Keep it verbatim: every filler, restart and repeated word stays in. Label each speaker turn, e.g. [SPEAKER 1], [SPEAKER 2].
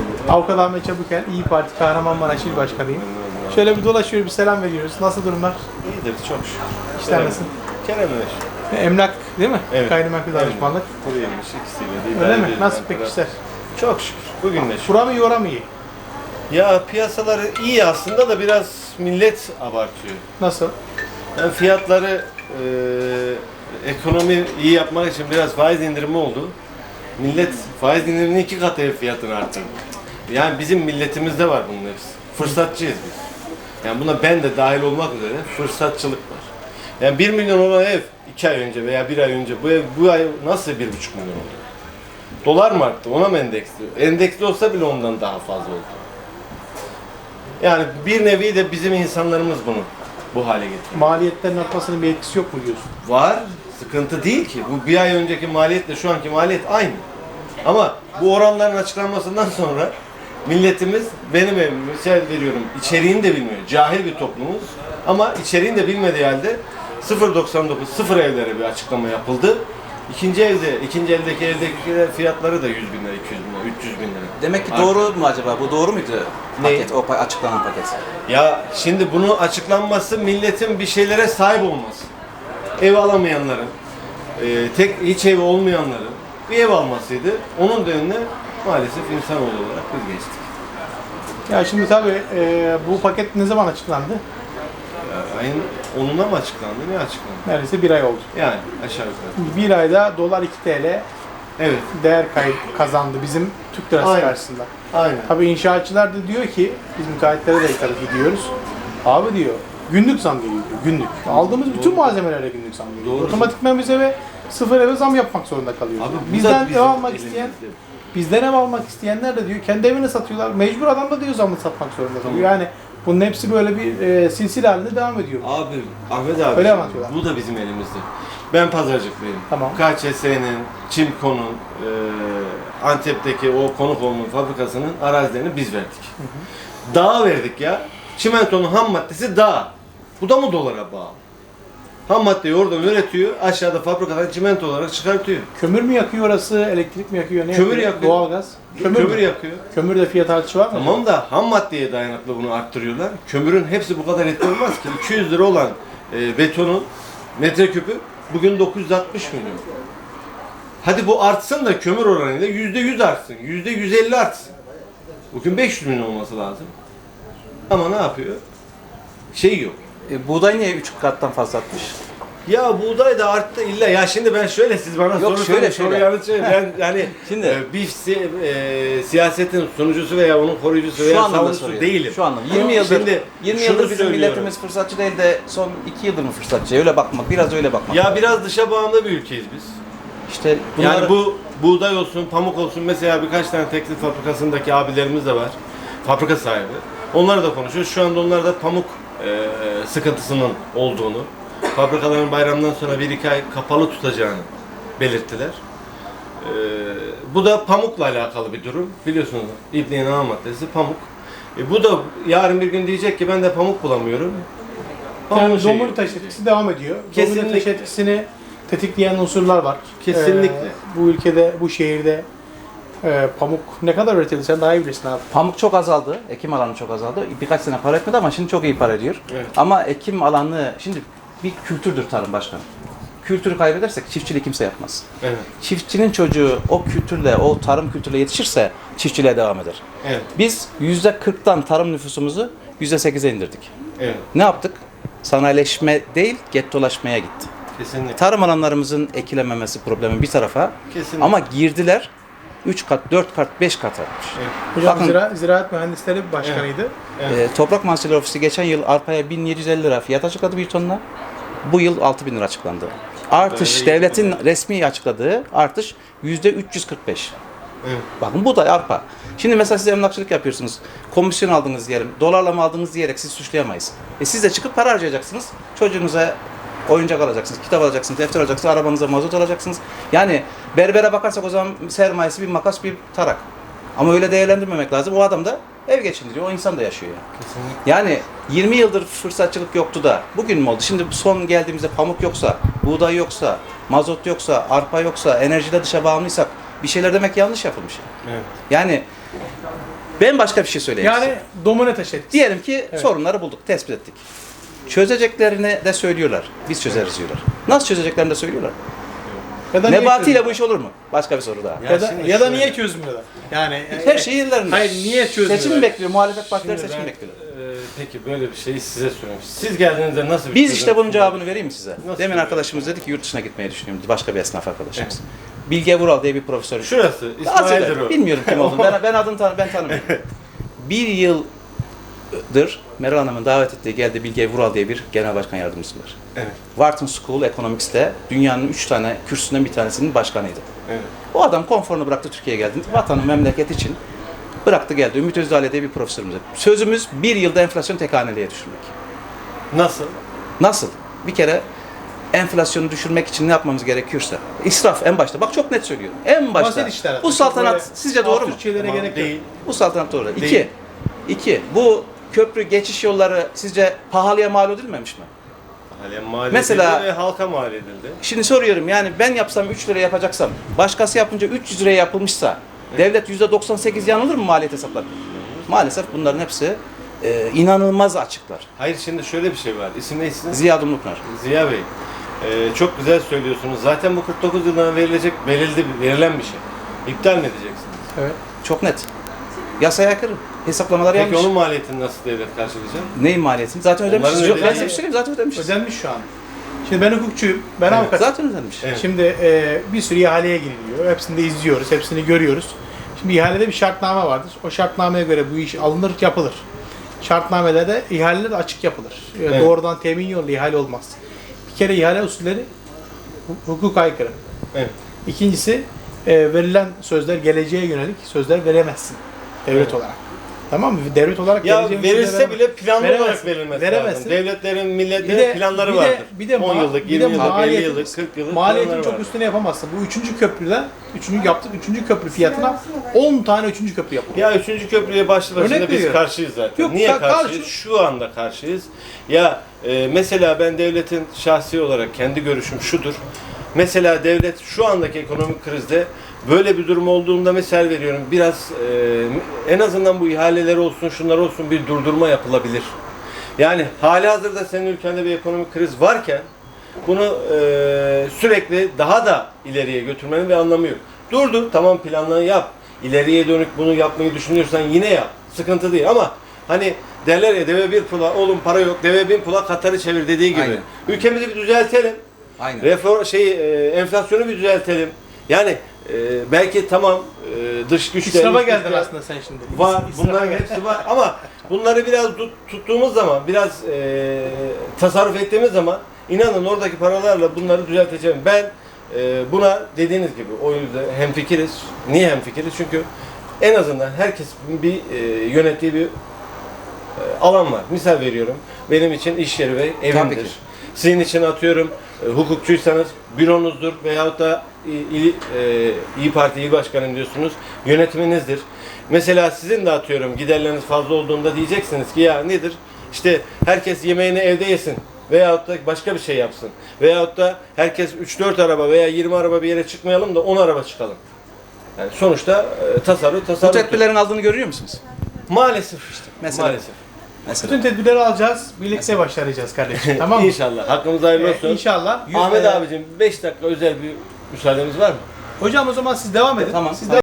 [SPEAKER 1] Avukat Ahmet Çabukel, İyi Parti Kahramanmaraş İl Başkanıyım. Şöyle bir dolaşıyoruz, bir selam veriyoruz. Nasıl durumlar?
[SPEAKER 2] İyidir, çok şükür.
[SPEAKER 1] İşler nasıl?
[SPEAKER 2] Kerem Öş.
[SPEAKER 1] Emlak değil mi?
[SPEAKER 2] Evet.
[SPEAKER 1] Gayrimenkul danışmanlık.
[SPEAKER 2] Kuru yemiş ikisiyle de
[SPEAKER 1] Öyle
[SPEAKER 2] idare
[SPEAKER 1] mi?
[SPEAKER 2] ediyoruz
[SPEAKER 1] Nasıl
[SPEAKER 2] yani.
[SPEAKER 1] peki işler?
[SPEAKER 2] Çok şükür. Bugün de şükür.
[SPEAKER 1] Bura mı iyi, ora mı iyi?
[SPEAKER 2] Ya piyasaları iyi aslında da biraz millet abartıyor.
[SPEAKER 1] Nasıl?
[SPEAKER 2] Yani fiyatları e, ekonomi iyi yapmak için biraz faiz indirimi oldu. Millet faiz indiriminin iki katı ev fiyatını arttırdı. Yani bizim milletimizde var bunun hepsi. Fırsatçıyız biz. Yani buna ben de dahil olmak üzere fırsatçılık var. Yani bir milyon olan ev iki ay önce veya bir ay önce bu ev bu ay nasıl bir buçuk milyon oldu? Dolar mı arttı? Ona mı endeksli? Endeksli olsa bile ondan daha fazla oldu. Yani bir nevi de bizim insanlarımız bunu bu hale getiriyor.
[SPEAKER 1] Maliyetlerin artmasının bir etkisi yok mu diyorsun?
[SPEAKER 2] Var. Sıkıntı değil ki. Bu bir ay önceki maliyetle şu anki maliyet aynı. Ama bu oranların açıklanmasından sonra milletimiz, benim evim, misal veriyorum, içeriğini de bilmiyor. Cahil bir toplumuz. Ama içeriğini de bilmediği halde sıfır virgül doksan dokuz sıfır evlere bir açıklama yapıldı. İkinci evde, ikinci eldeki evdeki fiyatları da yüz bin lira, iki yüz bin lira, üç yüz bin lira.
[SPEAKER 3] Demek ki doğru mu acaba? Bu doğru muydu
[SPEAKER 2] Ne?
[SPEAKER 3] paket, o pa- açıklanan paket?
[SPEAKER 2] Ya şimdi bunu açıklanması milletin bir şeylere sahip olması. Ev alamayanların, e, tek hiç evi olmayanların bir ev almasıydı. Onun da önüne maalesef insanoğlu olarak biz geçtik.
[SPEAKER 1] Ya şimdi tabii e, bu paket ne zaman açıklandı?
[SPEAKER 2] Ya, ayın onuna mı açıklandı, ne açıklandı?
[SPEAKER 1] Neredeyse bir ay oldu.
[SPEAKER 2] Yani aşağı yukarı.
[SPEAKER 1] Bir ayda dolar iki T L
[SPEAKER 2] Evet,
[SPEAKER 1] değer kaybı kazandı bizim Türk lirası
[SPEAKER 2] Aynen.
[SPEAKER 1] karşısında.
[SPEAKER 2] aynen.
[SPEAKER 1] Tabii inşaatçılar da diyor ki, biz müteahhitlere de tabii gidiyoruz. Abi diyor, günlük zam geliyor diyor, günlük. Aldığımız bütün malzemelere günlük zam geliyor.
[SPEAKER 2] Doğru.
[SPEAKER 1] Otomatikman biz eve sıfır eve zam yapmak zorunda kalıyoruz.
[SPEAKER 2] Abi bu da
[SPEAKER 1] Bizden ev
[SPEAKER 2] bizim
[SPEAKER 1] almak
[SPEAKER 2] elimizde.
[SPEAKER 1] isteyen, bizden ev almak isteyenler de diyor, kendi evini satıyorlar. Mecbur adam da diyor zamı satmak zorunda kalıyor. Yani bunun hepsi böyle bir e, silsile halinde devam ediyor.
[SPEAKER 2] Abi, Ahmet abi,
[SPEAKER 1] Öyle anlatıyorlar.
[SPEAKER 2] bu da bizim elimizde. Ben pazarcıklıyım.
[SPEAKER 1] Tamam.
[SPEAKER 2] K Ç S'nin, Çimko'nun, e, Antep'teki o konuk olma fabrikasının arazilerini biz verdik. Hı hı. Dağa verdik ya. Çimentonun ham maddesi dağ. Bu da mı dolara bağlı? Ham maddeyi oradan üretiyor, aşağıda fabrikadan çimento olarak çıkartıyor.
[SPEAKER 1] Kömür mü yakıyor orası, elektrik mi yakıyor, ne
[SPEAKER 2] Kömür
[SPEAKER 1] yakıyor?
[SPEAKER 2] yakıyor.
[SPEAKER 1] Doğalgaz.
[SPEAKER 2] Kömür,
[SPEAKER 1] Kömür, mü?
[SPEAKER 2] yakıyor.
[SPEAKER 1] Kömürde fiyat artışı var mı?
[SPEAKER 2] Tamam da ham maddeye dayanıklı bunu arttırıyorlar. Kömürün hepsi bu kadar etki olmaz ki. iki yüz lira olan e, betonun metreküpü bugün dokuz yüz altmış milyon. Hadi bu artsın da kömür oranıyla yüzde yüz artsın, yüzde yüz elli artsın. Bugün beş yüz milyon olması lazım. Ama ne yapıyor? Şey yok.
[SPEAKER 3] E, buğday niye üç kattan fazla artmış?
[SPEAKER 2] Ya buğday da arttı illa. Ya şimdi ben şöyle, siz bana
[SPEAKER 3] Yok,
[SPEAKER 2] soru
[SPEAKER 3] şöyle,
[SPEAKER 2] sorun, soru
[SPEAKER 3] şöyle.
[SPEAKER 2] yanıt söyleyin. Ben yani
[SPEAKER 3] Şimdi-
[SPEAKER 2] e, bir si- e, siyasetin sunucusu veya onun koruyucusu
[SPEAKER 3] Şu
[SPEAKER 2] veya
[SPEAKER 3] anlamda
[SPEAKER 2] savunucusu
[SPEAKER 3] soruyorum.
[SPEAKER 2] değilim.
[SPEAKER 3] Şu anlamda. yirmi yıldır,
[SPEAKER 2] Şimdi
[SPEAKER 3] yirmi
[SPEAKER 2] şunu
[SPEAKER 3] yıldır bizim
[SPEAKER 2] söylüyorum.
[SPEAKER 3] milletimiz fırsatçı değil de son iki yıldır mı fırsatçı? Öyle bakmak, biraz öyle bakmak.
[SPEAKER 2] Ya biraz dışa bağımlı bir ülkeyiz biz.
[SPEAKER 3] İşte bunları...
[SPEAKER 2] Yani bu buğday olsun, pamuk olsun, mesela birkaç tane tekstil fabrikasındaki abilerimiz de var. Fabrika sahibi. Onlarla da konuşuyoruz. Şu anda onlar da pamuk e, sıkıntısının olduğunu, fabrikaların bayramdan sonra bir iki ay kapalı tutacağını belirttiler. E, bu da pamukla alakalı bir durum. Biliyorsunuz İbn-i ana maddesi pamuk. E, bu da yarın bir gün diyecek ki ben de pamuk bulamıyorum.
[SPEAKER 1] Yani
[SPEAKER 2] Pamuğu şey
[SPEAKER 1] domino
[SPEAKER 2] yok.
[SPEAKER 1] taş etkisi devam ediyor.
[SPEAKER 2] Kesinlikle.
[SPEAKER 1] Domino taş etkisini tetikleyen unsurlar var.
[SPEAKER 2] Kesinlikle.
[SPEAKER 1] Ee, bu ülkede, bu şehirde e, pamuk ne kadar üretildi sen daha iyi bilirsin abi.
[SPEAKER 3] Pamuk çok azaldı, ekim alanı çok azaldı. Birkaç sene para etmedi ama şimdi çok iyi para ediyor.
[SPEAKER 2] Evet.
[SPEAKER 3] Ama ekim alanı, şimdi bir kültürdür tarım başkanım. Kültürü kaybedersek çiftçiliği kimse yapmaz.
[SPEAKER 2] Evet.
[SPEAKER 3] Çiftçinin çocuğu o kültürle, o tarım kültürüyle yetişirse çiftçiliğe devam eder.
[SPEAKER 2] Evet.
[SPEAKER 3] Biz yüzde kırktan tarım nüfusumuzu yüzde sekize indirdik.
[SPEAKER 2] Evet.
[SPEAKER 3] Ne yaptık? Sanayileşme değil, gettolaşmaya gitti.
[SPEAKER 2] Kesinlikle.
[SPEAKER 3] Tarım alanlarımızın ekilememesi problemi bir tarafa.
[SPEAKER 2] Kesinlikle.
[SPEAKER 3] Ama girdiler üç kat, dört kat, beş kat artmış.
[SPEAKER 2] Evet.
[SPEAKER 1] Hocam
[SPEAKER 3] Bakın-
[SPEAKER 1] zira, Ziraat Mühendisleri başkanıydı.
[SPEAKER 2] Evet.
[SPEAKER 3] Ee, Toprak Mahsulleri Ofisi geçen yıl arpaya bin yedi yüz elli lira fiyat açıkladı bir tonla. Bu yıl altı bin lira açıklandı. Artış,
[SPEAKER 2] Böyle iyi.
[SPEAKER 3] devletin resmi açıkladığı artış yüzde üç yüz kırk beş.
[SPEAKER 2] Evet.
[SPEAKER 3] Bakın bu da arpa. Şimdi mesela siz emlakçılık yapıyorsunuz. Komisyon aldınız diyelim. Dolarla mı aldınız diyerek siz suçlayamayız. E siz de çıkıp para harcayacaksınız. Çocuğunuza oyuncak alacaksınız, kitap alacaksınız, defter alacaksınız, arabanıza mazot alacaksınız. Yani berbere bakarsak o zaman sermayesi bir makas, bir tarak. Ama öyle değerlendirmemek lazım. O adam da ev geçindiriyor, o insan da yaşıyor yani.
[SPEAKER 2] Kesinlikle.
[SPEAKER 3] Yani yirmi yıldır fırsatçılık yoktu da bugün mü oldu? Şimdi son geldiğimizde pamuk yoksa, buğday yoksa, mazot yoksa, arpa yoksa, enerjide dışa bağımlıysak bir şeyler demek yanlış yapılmış.
[SPEAKER 2] Evet.
[SPEAKER 3] Yani Ben başka bir şey söyleyeyim
[SPEAKER 1] Yani
[SPEAKER 3] size.
[SPEAKER 1] domine taş etkisi.
[SPEAKER 3] Diyelim ki
[SPEAKER 1] Evet.
[SPEAKER 3] sorunları bulduk, tespit ettik. Çözeceklerini de söylüyorlar. Biz çözeriz diyorlar. Nasıl çözeceklerini de söylüyorlar.
[SPEAKER 1] Ya da niye
[SPEAKER 3] Nebati ile
[SPEAKER 1] çözmüyorlar?
[SPEAKER 3] bu iş olur mu? Başka bir soru daha.
[SPEAKER 2] Ya
[SPEAKER 1] Ya da,
[SPEAKER 2] şimdi
[SPEAKER 1] ya da
[SPEAKER 2] şöyle-
[SPEAKER 1] niye çözmüyorlar? Yani
[SPEAKER 3] Her şey yerlerinde.
[SPEAKER 1] Hayır, niye çözmüyorlar?
[SPEAKER 3] Seçim bekliyor, muhalefet partileri
[SPEAKER 2] Şimdi
[SPEAKER 3] seçim
[SPEAKER 2] ben,
[SPEAKER 3] bekliyor.
[SPEAKER 2] e, peki böyle bir şeyi size soruyorum. Siz geldiğinizde nasıl bir
[SPEAKER 3] Biz
[SPEAKER 2] çözüm
[SPEAKER 3] işte bunun
[SPEAKER 2] sundunuz?
[SPEAKER 3] cevabını vereyim mi size?
[SPEAKER 2] Nasıl
[SPEAKER 3] Demin
[SPEAKER 2] bir-
[SPEAKER 3] arkadaşımız dedi ki yurt dışına gitmeyi düşünüyorum. Başka bir esnaf arkadaşımız. Bilge Vural diye bir profesör.
[SPEAKER 2] Şurası,
[SPEAKER 3] Az
[SPEAKER 2] İsmail'dir
[SPEAKER 3] evvel,
[SPEAKER 2] o.
[SPEAKER 3] bilmiyorum kim olduğunu. Ben, ben adını tanı, ben tanımıyorum. Bir yıldır Meral Hanım'ın davet ettiği geldi Bilge Vural diye bir genel başkan yardımcısı var.
[SPEAKER 2] Evet,
[SPEAKER 3] Wharton School Economics'te dünyanın üç tane kürsüsünden bir tanesinin başkanıydı.
[SPEAKER 2] evet.
[SPEAKER 3] O adam konforunu bıraktı Türkiye'ye geldi. Vatanı, memleket için bıraktı geldi. Ümit Özdağ diye bir profesörümüz. Sözümüz bir yılda enflasyon tek haneliğe düşürmek.
[SPEAKER 2] Nasıl?
[SPEAKER 3] Nasıl? Bir kere enflasyonu düşürmek için ne yapmamız gerekiyorsa. İsraf en başta. Bak çok net söylüyorum. En başta.
[SPEAKER 1] basit işler.
[SPEAKER 3] Bu saltanat
[SPEAKER 1] Böyle
[SPEAKER 3] sizce doğru mu?
[SPEAKER 1] absürt şeylere
[SPEAKER 2] Tamam,
[SPEAKER 1] gerek yok.
[SPEAKER 2] değil.
[SPEAKER 3] Bu saltanat doğru. İki.
[SPEAKER 2] Değil.
[SPEAKER 3] İki. Bu köprü geçiş yolları sizce pahalıya mal edilmemiş mi?
[SPEAKER 2] Halen mal
[SPEAKER 3] Mesela-
[SPEAKER 2] edildi ve halka mal edildi.
[SPEAKER 3] Şimdi soruyorum yani ben yapsam üç lira yapacaksam, başkası yapınca üç yüz liraya yapılmışsa devlet yüzde doksan sekiz yanılır mı maliyet hesaplarında? Maalesef bunların hepsi e, inanılmaz açıklar.
[SPEAKER 2] Hayır, şimdi şöyle bir şey var. İsim ne isim?
[SPEAKER 3] Ziya Dumlupınar.
[SPEAKER 2] Ziya Bey. Ee, çok güzel söylüyorsunuz. Zaten bu kırk dokuz yıldan verilecek, verildi, verilen bir şey. İptal mi edeceksiniz?
[SPEAKER 1] Evet.
[SPEAKER 3] Çok net. Yasaya aykırı. Hesaplamalar
[SPEAKER 2] Peki
[SPEAKER 3] yanlış.
[SPEAKER 2] onun maliyetini nasıl devlet karşılayacak?
[SPEAKER 3] Neyin maliyetini? Zaten ödemişiz.
[SPEAKER 2] Onların
[SPEAKER 3] Yok, ben
[SPEAKER 2] ödediği-
[SPEAKER 3] size bir şey söyleyeyim zaten ödemişiz.
[SPEAKER 1] Ödenmiş şu an. Şimdi ben hukukçuyum. Ben
[SPEAKER 2] Evet.
[SPEAKER 1] avukatım.
[SPEAKER 3] Zaten ödenmiş.
[SPEAKER 2] Evet.
[SPEAKER 1] Şimdi e, bir sürü ihaleye giriliyor. Hepsini de izliyoruz. Hepsini görüyoruz. Şimdi ihalede bir şartname vardır. O şartnameye göre bu iş alınır, yapılır. Şartnamelerde ihaleler de açık yapılır. E,
[SPEAKER 2] Evet.
[SPEAKER 1] Doğrudan temin yollu ihale olmaz. Bir kere ihale usulleri hu- hukuk aykırı.
[SPEAKER 2] Evet.
[SPEAKER 1] İkincisi e, verilen sözler geleceğe yönelik sözler veremezsin devlet
[SPEAKER 2] Evet.
[SPEAKER 1] olarak. Tamam mı? Devlet olarak
[SPEAKER 2] Ya
[SPEAKER 1] geleceğin sözleri
[SPEAKER 2] verilse
[SPEAKER 1] veremezsin.
[SPEAKER 2] bile planlı
[SPEAKER 1] Veremezsin.
[SPEAKER 2] olarak verilmesi
[SPEAKER 1] Veremezsin.
[SPEAKER 2] lazım. Devletlerin,
[SPEAKER 1] Bir
[SPEAKER 2] milletlerin
[SPEAKER 1] de-
[SPEAKER 2] planları
[SPEAKER 1] bir de-
[SPEAKER 2] vardır.
[SPEAKER 1] bir de
[SPEAKER 2] on
[SPEAKER 1] ma-
[SPEAKER 2] yıllık,
[SPEAKER 1] bir de
[SPEAKER 2] yirmi yıllık, elli
[SPEAKER 1] maliyetin-
[SPEAKER 2] yıllık, kırk yıllık
[SPEAKER 1] Maliyetin
[SPEAKER 2] planları
[SPEAKER 1] çok
[SPEAKER 2] vardır.
[SPEAKER 1] üstüne yapamazsın. Bu üçüncü köprüden, üçüncü yaptık, üçüncü köprü fiyatına on tane üçüncü köprü yapılıyor.
[SPEAKER 2] Ya üçüncü köprüye başlı başına
[SPEAKER 1] Örnek
[SPEAKER 2] biz
[SPEAKER 1] veriyorum.
[SPEAKER 2] karşıyız zaten.
[SPEAKER 1] Yok,
[SPEAKER 2] Niye
[SPEAKER 1] ka-
[SPEAKER 2] karşıyız?
[SPEAKER 1] karşı-
[SPEAKER 2] Şu anda karşıyız. Ya e, mesela ben devletin şahsi olarak kendi görüşüm şudur. Mesela devlet şu andaki ekonomik krizde böyle bir durum olduğunda misal veriyorum. Biraz e, en azından bu ihaleler olsun, şunlar olsun bir durdurma yapılabilir. Yani hali hazırda senin ülkende bir ekonomik kriz varken bunu e, sürekli daha da ileriye götürmenin bir anlamı yok. Durdur, tamam planını yap. İleriye dönük bunu yapmayı düşünüyorsan yine yap. Sıkıntı değil ama hani derler ya deve bir pula, oğlum para yok, deve bin pula Katar'ı çevir dediği gibi.
[SPEAKER 3] Aynen.
[SPEAKER 2] Ülkemizi bir düzeltelim.
[SPEAKER 3] Aynen.
[SPEAKER 2] Reform şey e, enflasyonu bir düzeltelim. Yani e, belki tamam e, dış güçler
[SPEAKER 1] İsrafa
[SPEAKER 2] iç
[SPEAKER 1] geldin
[SPEAKER 2] güçler
[SPEAKER 1] aslında sen şimdi.
[SPEAKER 2] var.
[SPEAKER 1] İsrafa
[SPEAKER 2] Bunların
[SPEAKER 1] geldin.
[SPEAKER 2] hepsi var ama bunları biraz tut- tuttuğumuz zaman, biraz e, tasarruf ettiğimiz zaman inanın oradaki paralarla bunları düzelteceğim. Ben e, buna dediğiniz gibi o yüzden hemfikiriz. Niye hemfikiriz? Çünkü en azından herkes bir e, yönettiği bir e, alan var. Misal veriyorum. Benim için iş yeri ve
[SPEAKER 3] Tabii
[SPEAKER 2] evimdir.
[SPEAKER 3] ki.
[SPEAKER 2] Sizin için atıyorum e, hukukçuysanız büronuzdur veyahut da İ- İl, e, İyi Parti İl Başkanım diyorsunuz. Yönetiminizdir. Mesela sizin de atıyorum giderleriniz fazla olduğunda diyeceksiniz ki ya nedir? İşte herkes yemeğini evde yesin. Veyahut da başka bir şey yapsın. Veyahut da herkes üç dört araba veya yirmi araba bir yere çıkmayalım da on araba çıkalım. Yani sonuçta e, tasarruf
[SPEAKER 3] Bu
[SPEAKER 2] tasarruf.
[SPEAKER 3] tedbirlerin aldığını görüyor musunuz?
[SPEAKER 2] Maalesef işte.
[SPEAKER 3] Mesela.
[SPEAKER 2] Maalesef.
[SPEAKER 3] Mesela.
[SPEAKER 1] Bütün tedbirleri alacağız. Birlikte başaracağız kardeşim. Tamam mı?
[SPEAKER 2] İnşallah. Hakkımızda hayırlı
[SPEAKER 1] Ee,
[SPEAKER 2] olsun.
[SPEAKER 1] İnşallah.
[SPEAKER 2] Ahmet
[SPEAKER 1] Ee,
[SPEAKER 2] abicim beş dakika özel bir müsaadeniz var mı?
[SPEAKER 1] Hocam o zaman siz devam edin.
[SPEAKER 3] Tamam.
[SPEAKER 1] Siz de